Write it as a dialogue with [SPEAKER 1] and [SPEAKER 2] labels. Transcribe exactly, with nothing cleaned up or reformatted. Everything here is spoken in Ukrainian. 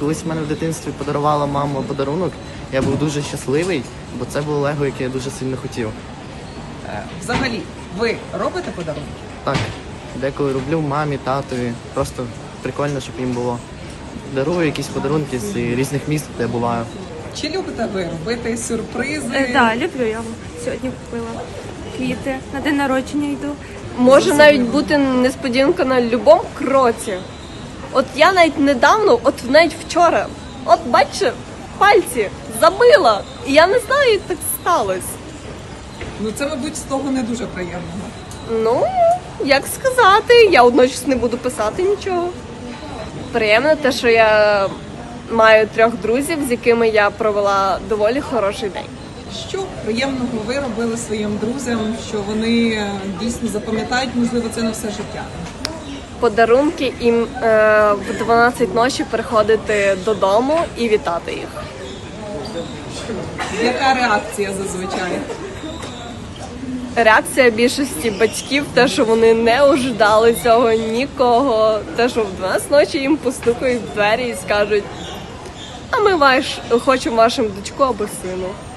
[SPEAKER 1] колись в мене в дитинстві подарувала мама подарунок, я був дуже щасливий, бо це було лего, яке я дуже сильно хотів.
[SPEAKER 2] Е, Взагалі, ви робите подарунки?
[SPEAKER 1] Так, деколи роблю мамі, татові, просто прикольно, щоб їм було. Дарую якісь подарунки з різних міст, де я буваю.
[SPEAKER 2] Чи любите ви робити сюрпризи?
[SPEAKER 3] Так, да, люблю я. Сьогодні купила квіти, на день народження йду.
[SPEAKER 4] Може навіть бути несподіванка на будь-якому кроці. От я навіть недавно, от навіть вчора, от бачите, пальці забила. І я не знаю, як так сталося.
[SPEAKER 2] Ну це, мабуть, з того не дуже приємного.
[SPEAKER 4] Ну, як сказати, я одночасно не буду писати нічого. Приємно те, що я маю трьох друзів, з якими я провела доволі хороший день.
[SPEAKER 2] Що приємного ви робили своїм друзям, що вони е, дійсно запам'ятають, можливо, це на все життя?
[SPEAKER 4] Подарунки їм е, в дванадцять ночі приходити додому і вітати їх.
[SPEAKER 2] Яка реакція зазвичай?
[SPEAKER 4] Реакція більшості батьків, те, що вони не ожидали цього нікого, те, що в дванадцять ночі їм постукають в двері і скажуть: а ми ваш, хочемо вашим дочку або сину.